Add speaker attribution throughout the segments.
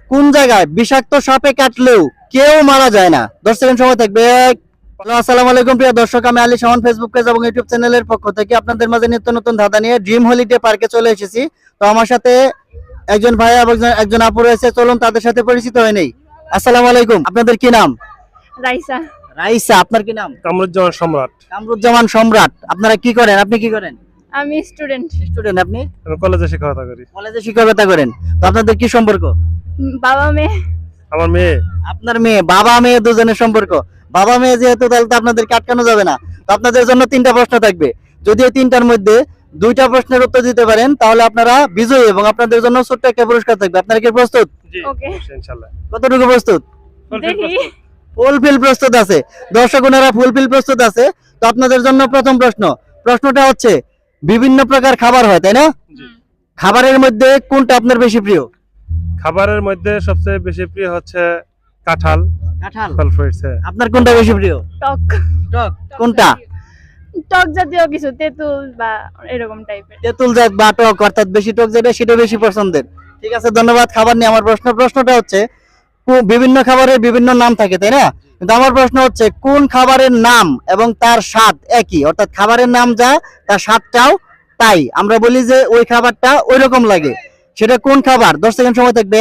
Speaker 1: কোন জায়গায় বিষাক্ত সাপে কাটলেও কেউ মারা যায় না? 10 সেকেন্ড সময় থাকবে। হ্যালো, আসসালামু আলাইকুম প্রিয় দর্শক, আমি আলী শাওন ফেসবুক পেজ এবং ইউটিউব চ্যানেলের পক্ষ থেকে আপনাদের মাঝে নিত্য নতুন ধাঁধা নিয়ে ড্রিম হলিডে পার্কে চলে এসেছি। তো আমার সাথে একজন ভাই এবং একজন আপু রয়েছে, চলুন তাদের সাথে পরিচিত হয়ে নেই। আসসালামু আলাইকুম, আপনাদের কি নাম?
Speaker 2: রাইসা।
Speaker 1: রাইসা, আপনার কি নাম?
Speaker 3: কামরুজ্জামান সম্রাট।
Speaker 1: কামরুজ্জামান সম্রাট। আপনারা কি করেন? আপনি কি করেন?
Speaker 2: আমি স্টুডেন্ট।
Speaker 1: স্টুডেন্ট। আপনি
Speaker 3: আমি কলেজে শিক্ষকতা করি।
Speaker 1: কলেজে শিক্ষকতা করেন। তো আপনাদের কি সম্পর্ক?
Speaker 2: বাবা মেয়ে।
Speaker 3: আমার মেয়ে।
Speaker 1: আপনার মেয়ে, বাবা মেয়ে দুজনের সম্পর্ক। বাবা মেয়ে যেহেতু, তাহলে তো আপনাদেরকে আটকানো যাবে না। তো আপনাদের জন্য 3টা প্রশ্ন থাকবে। যদি এই 3টার মধ্যে 2টা প্রশ্নের উত্তর দিতে পারেন তাহলে আপনারা বিজয়ী এবং আপনাদের জন্য ছোট্ট একটা পুরস্কার থাকবে। আপনারা কি প্রস্তুত?
Speaker 3: জি,
Speaker 2: ওকে।
Speaker 3: ইনশাআল্লাহ।
Speaker 1: কতটুকু প্রস্তুত?
Speaker 2: দেখি।
Speaker 1: ফুলফিল প্রস্তুত আছে। দর্শক ওনারা ফুলফিল প্রস্তুত আছে। তো আপনাদের জন্য প্রথম প্রশ্নটা হচ্ছে, বিভিন্ন প্রকার খাবার হয় তাই না?
Speaker 3: জি।
Speaker 1: খাবারের মধ্যে কোনটা আপনার বেশি প্রিয়?
Speaker 3: খাবারের মধ্যে সবচেয়ে বেশি প্রিয় হচ্ছে কাঁঠাল।
Speaker 1: কাঁঠাল।
Speaker 3: ফল ফ্রুটস।
Speaker 1: আপনার কোনটা বেশি প্রিয়?
Speaker 2: টক।
Speaker 1: টক। কোনটা?
Speaker 2: টক জাতীয় কিছু, তেঁতুল বা এরকম টাইপের।
Speaker 1: তেঁতুল জাত বা টক, অর্থাৎ বেশি টক যেটা সেটা বেশি পছন্দের। ঠিক আছে, ধন্যবাদ। খাবার নিয়ে আমার প্রশ্নটা হচ্ছে, বিভিন্ন খাবারের বিভিন্ন নাম থাকে তাই না? কিন্তু আমার প্রশ্ন হচ্ছে, কোন খাবারের নাম এবং তার স্বাদ একই, অর্থাৎ খাবারের নাম যা তার স্বাদটাও তাই। আমরা বলি যে ওই খাবারটা ওই রকম লাগে, সেটা কোন খাবার? 10 সেকেন্ড সময় থাকবে।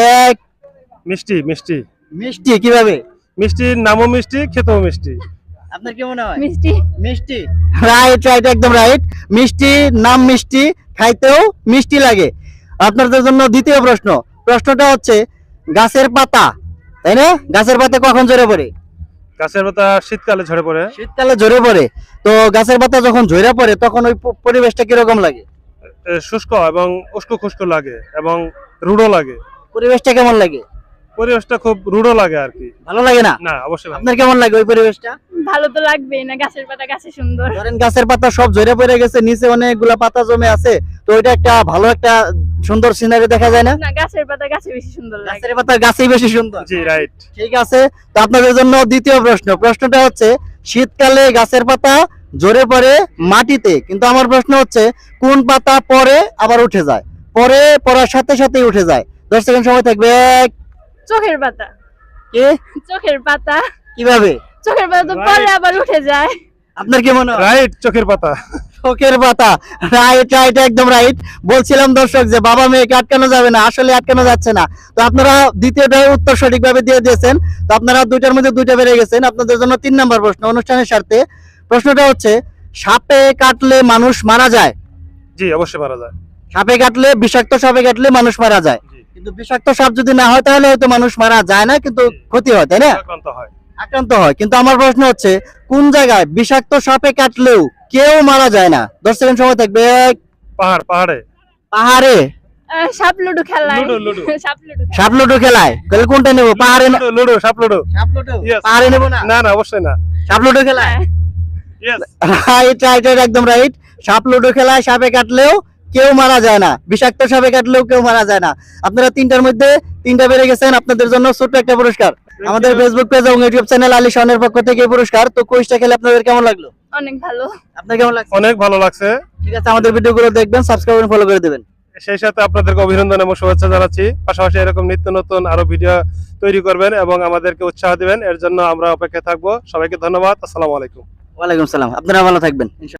Speaker 3: মিষ্টি। মিষ্টি।
Speaker 1: মিষ্টি। কিভাবে?
Speaker 3: মিষ্টির নামও মিষ্টি, খেতেও মিষ্টি।
Speaker 1: আপনার কি মনে হয়?
Speaker 2: মিষ্টি।
Speaker 1: মিষ্টি। রাইট, একদম রাইট। মিষ্টি, নাম মিষ্টি, খাইতেও মিষ্টি লাগে। আপনাদের জন্য দ্বিতীয় প্রশ্নটা হচ্ছে, গাছের পাতা তাই না? গাছের পাতা কখন ঝরে পড়ে?
Speaker 3: গাছের পাতা শীতকালে ঝরে পড়ে।
Speaker 1: শীতকালে ঝরে পড়ে। তো গাছের পাতা যখন ঝরে পড়ে তখন ওই পরিবেশটা কিরকম লাগে?
Speaker 3: শুষ্ক এবং উস্কো খুস্কো লাগে এবং রূঢ় লাগে।
Speaker 1: পরিবেশটা কেমন লাগে?
Speaker 3: পরিবেশটা খুব রূঢ় লাগে আর কি।
Speaker 1: ভালো লাগে না?
Speaker 3: না, অবশ্যই ভালো।
Speaker 1: আপনার কেমন লাগে ওই পরিবেশটা?
Speaker 2: ভালো তো লাগবেই না, গাছের পাতা গাছে সুন্দর।
Speaker 1: ধরেন গাছের পাতা সব ঝরে পড়ে গেছে, নিচে অনেকগুলা পাতা জমে আছে, তো ওইটা একটা ভালো একটা সুন্দর সিনারি দেখা যায় না?
Speaker 2: না, গাছের পাতা গাছে বেশি সুন্দর লাগে।
Speaker 1: গাছের পাতা গাছেই বেশি সুন্দর।
Speaker 3: জি, রাইট।
Speaker 1: ঠিক আছে। তো আপনাদের জন্য দ্বিতীয় প্রশ্নটা হচ্ছে, শীতকালে গাছের পাতা ঝরে পড়ে মাটিতে, কিন্তু আমার প্রশ্ন হচ্ছে, কোন পাতা পরে আবার উঠে যায়? পড়ার সাথে সাথেই উঠে যায়। 10 সেকেন্ড সময় থাকবে।
Speaker 2: চোখের পাতা।
Speaker 1: কে?
Speaker 2: চোখের পাতা।
Speaker 1: কিভাবে?
Speaker 2: চোখের পাতা তো পরে আবার উঠে যায়।
Speaker 1: আপনার কি মনে হয়?
Speaker 3: রাইট, চোখের পাতা।
Speaker 1: চোখের পাতা। রাইট, একদম রাইট। বলছিলাম দর্শক যে বাবা মেয়েকে আটকানো যাবে না, আসলে আটকানো যাচ্ছে না। তো আপনারা দ্বিতীয়টার উত্তর সঠিকভাবে দিয়ে দিয়েছেন। তো আপনারা 2টার মধ্যে 2টা পেরে গেছেন। আপনাদের জন্য 3 নাম্বার প্রশ্ন অনুষ্ঠানের স্বার্থে। প্রশ্নটা হচ্ছে, সাপে কাটলে মানুষ মারা যায়?
Speaker 3: জি, অবশ্যই মারা যায়।
Speaker 1: বিষাক্ত সাপে কাটলে মানুষ মারা যায়,
Speaker 3: জি।
Speaker 1: কিন্তু বিষাক্ত সাপ যদি না হয় তাহলে হয়তো মানুষ মারা যায় না, কিন্তু ক্ষতি হয় তাই না? আক্রান্ত হয়। কিন্তু আমার প্রশ্ন হচ্ছে, কোন জায়গায় বিষাক্ত সাপে কাটলেও কেউ মারা যায় না? 10 সেকেন্ড সময় থাকবে।
Speaker 3: পাহাড়ে।
Speaker 1: পাহাড়ে।
Speaker 2: সাপ লুডো খেলায়।
Speaker 3: লুডো।
Speaker 1: সাপ লুডো খেলায়। তাহলে কোনটা নেব? পাহাড়ে না?
Speaker 3: লুডো, সাপ লুডো।
Speaker 1: সাপ লুডো।
Speaker 3: Yes.
Speaker 1: পাহাড়ে নেব না?
Speaker 3: না, অবশ্যই না।
Speaker 1: সাপ লুডো খেলায়।
Speaker 3: ইয়েস।
Speaker 1: রাইট, একদম রাইট। সাপ লুডো খেলায় সাপে কাটলেও কেউ মারা যায় না, বিষাক্ত সাপে কাটলেও কেউ মারা যায় না। আপনারা 3টার মধ্যে 3টা পেরে গেছেন। আপনাদের জন্য ছোট্ট একটা পুরস্কার আমাদের ফেসবুক পেজ এবং ইউটিউব চ্যানেল আলী শাওনের পক্ষ থেকে এই পুরস্কার। তো কুইজটা খেলে আপনাদের কেমন লাগলো?
Speaker 2: অনেক ভালো।
Speaker 1: আপনার কেমন লাগছে?
Speaker 3: অনেক ভালো লাগছে।
Speaker 1: ঠিক আছে, আমাদের ভিডিওগুলো দেখবেন, সাবস্ক্রাইব এবং ফলো করে দেবেন।
Speaker 3: সেই সাথে আপনাদেরকে অভিনন্দন এবং শুভেচ্ছা জানাচ্ছি। পাশাপাশি এরকম নিত্য নতুন আরো ভিডিও তৈরি করবেন এবং আমাদেরকে উৎসাহ দিবেন, এর জন্য আমরা অপেক্ষায় থাকবো। সবাইকে ধন্যবাদ। আসসালামু আলাইকুম।
Speaker 1: ওয়ালাইকুম সালাম। আপনারা ভালো থাকবেন।